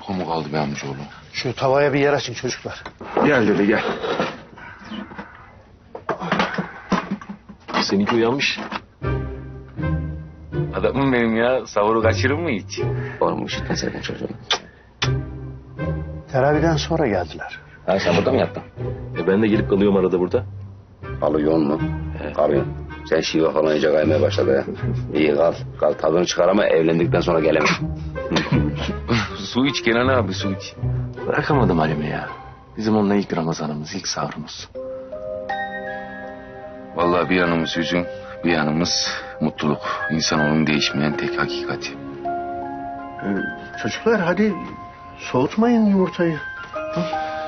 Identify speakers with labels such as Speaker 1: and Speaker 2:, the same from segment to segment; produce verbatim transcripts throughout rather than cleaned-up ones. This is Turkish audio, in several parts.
Speaker 1: uyku mu kaldı be amcaoğlu?
Speaker 2: Şu tavaya bir yer açın çocuklar.
Speaker 1: Gel dede gel.
Speaker 3: Seninki uyanmış.
Speaker 4: Adamım benim ya. Sahuru kaçırır mı hiç?
Speaker 3: Oğlum üşütmeseydin çocuğunu.
Speaker 2: Teraviden sonra geldiler.
Speaker 3: Ha sen burada mı yattın? E ben de gelip kalıyorum arada burada.
Speaker 5: Kalıyor mu? He. Kalıyor. Sen şive falan iyice kaymaya başladı ya. İyi kal. Kal tadını çıkar ama evlendikten sonra gelemem.
Speaker 4: Su iç Kenan abi, su iç.
Speaker 3: Bırakamadım Halim'i ya. Bizim onunla ilk Ramazanımız, ilk sahurumuz.
Speaker 1: Vallahi bir yanımız hüzün, bir yanımız mutluluk. İnsanoğlunun değişmeyen tek hakikati.
Speaker 2: Ee, çocuklar hadi soğutmayın yumurtayı. Hı?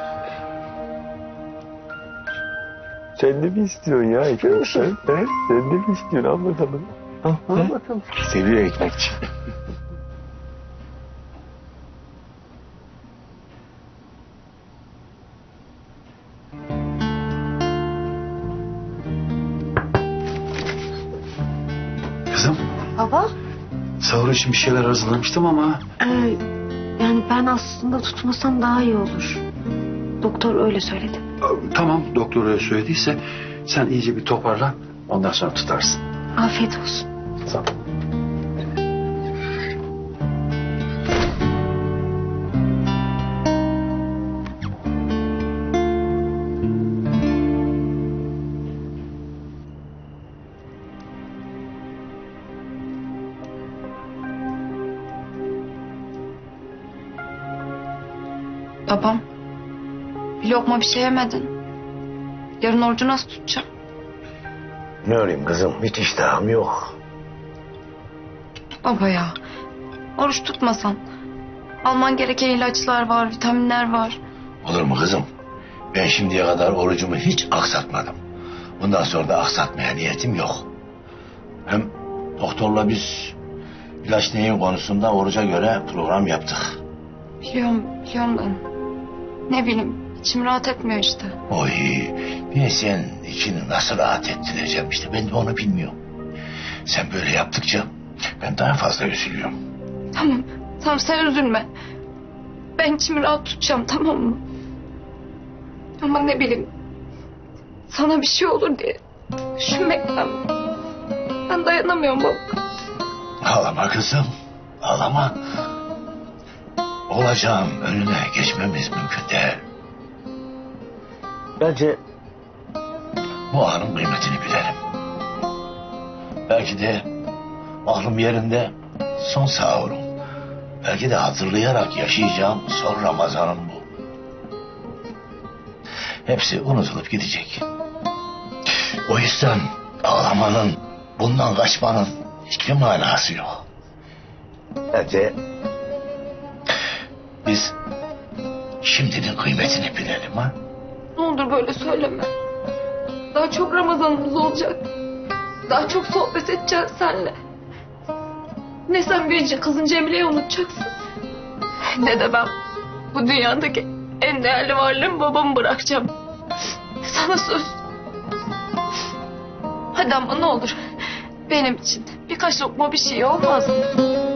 Speaker 3: Sen de mi istiyorsun ya ekmek? Sen, he? Sen de mi istiyorsun? Al bakalım. Al,
Speaker 2: Al bakalım.
Speaker 3: Seviyor ekmekçi.
Speaker 6: Kızım,
Speaker 7: Baba,
Speaker 6: sahur için bir şeyler hazırlamıştım ama...
Speaker 7: e, yani ben aslında tutmasam daha iyi olur. Doktor öyle söyledi.
Speaker 6: Tamam, doktor öyle söylediyse sen iyice bir toparlan, ondan sonra tutarsın.
Speaker 7: Afiyet olsun.
Speaker 6: Sağ ol.
Speaker 8: Babam, bir lokma bir şey yemedin. Yarın orucu nasıl tutacağım?
Speaker 2: Ne öreyim kızım, hiç iştahım yok.
Speaker 8: Baba ya, oruç tutmasan. Alman gereken ilaçlar var, vitaminler var.
Speaker 9: Olur mu kızım? Ben şimdiye kadar orucumu hiç aksatmadım. Bundan sonra da aksatmaya niyetim yok. Hem doktorla biz ilaç neyin konusunda oruca göre program yaptık.
Speaker 8: Biliyorum, biliyorum da. Ne bileyim, içim rahat etmiyor işte.
Speaker 9: Oy, ben sen içini nasıl rahat ettireceğim işte, ben de onu bilmiyorum. Sen böyle yaptıkça ben daha fazla üzülüyorum.
Speaker 8: Tamam, tamam sen üzülme. Ben içimi rahat tutacağım, tamam mı? Ama ne bileyim, sana bir şey olur diye düşünmekten ben dayanamıyorum baba.
Speaker 9: Ağlama kızım, ağlama. Olacağım önüne geçmemiz mümkün değil.
Speaker 2: Bence
Speaker 9: Bu anın kıymetini bilelim. Belki de aklım yerinde son sahurum. Belki de hatırlayarak yaşayacağım son Ramazanım bu. Hepsi unutulup gidecek. O yüzden ağlamanın, bundan kaçmanın hiçbir manası yok. Bence biz şimdinin kıymetini bilelim ha.
Speaker 8: Ne olur böyle söyleme. Daha çok Ramazanımız olacak. Daha çok sohbet edeceğiz seninle. Ne sen büyüyünce kızın Cemile'yi unutacaksın. Ne de ben bu dünyadaki en değerli varlığımı babamı bırakacağım. Sana söz. Hadi ama ne olur benim için birkaç lokma bir şey olmaz mı?